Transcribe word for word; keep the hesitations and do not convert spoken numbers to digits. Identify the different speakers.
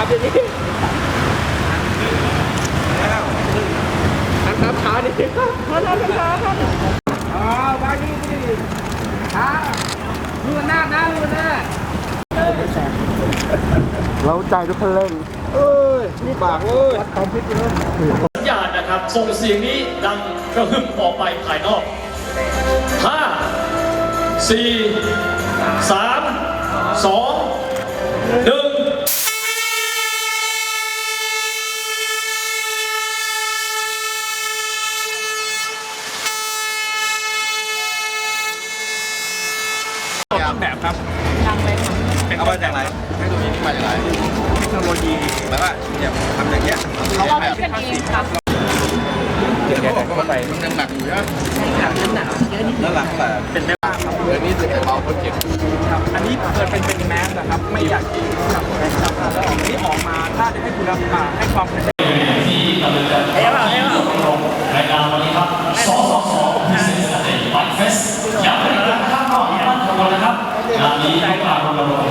Speaker 1: เดี๋ยวนี้ทางขาดิทางขาครับอ๋อบางทีดิขาลูกหน้านะลูกหน้าเราใจทุกคนเล่นเอ้ยนี่ปากเอ้ยทำพิษเลย
Speaker 2: สัญญาณนะครับส่งเสียงนี้ดังกระหึ่มออกไปภายนอกห้าสี่สามสองหนึ่ง
Speaker 1: ต้นแบบครับเป็นเอามาจากไหนเทคโนโลยีนี่มาจากไหนเทคโนโลยีแบบว่าเนี่ยทำอย่างเงี้ย
Speaker 3: เราคิดกันเองครับ
Speaker 1: เดี๋ยวเขาบอกว่ามันยังหนักอยู่นะหนักหนักเยอะนิดแล้วหลังแต่เป็นแม่บ้านครับเดือนนี้จะเบาคนเจ็บครับอันนี้เกิดเป็นเป็นแมสนะครับไม่อยากที่จับจับแล้วออกนี้ออกมาถ้าจะให้คุณภาพให้ความเป็น
Speaker 2: ที่กำลังจะเอ้ยเอ้ยรายการวันนี้ครับสสสพิเศษสเตจไบเฟสอยากให้ร้านข้างนอกมีบ้านคนนะครับงานนี้ต้องการรณรงค์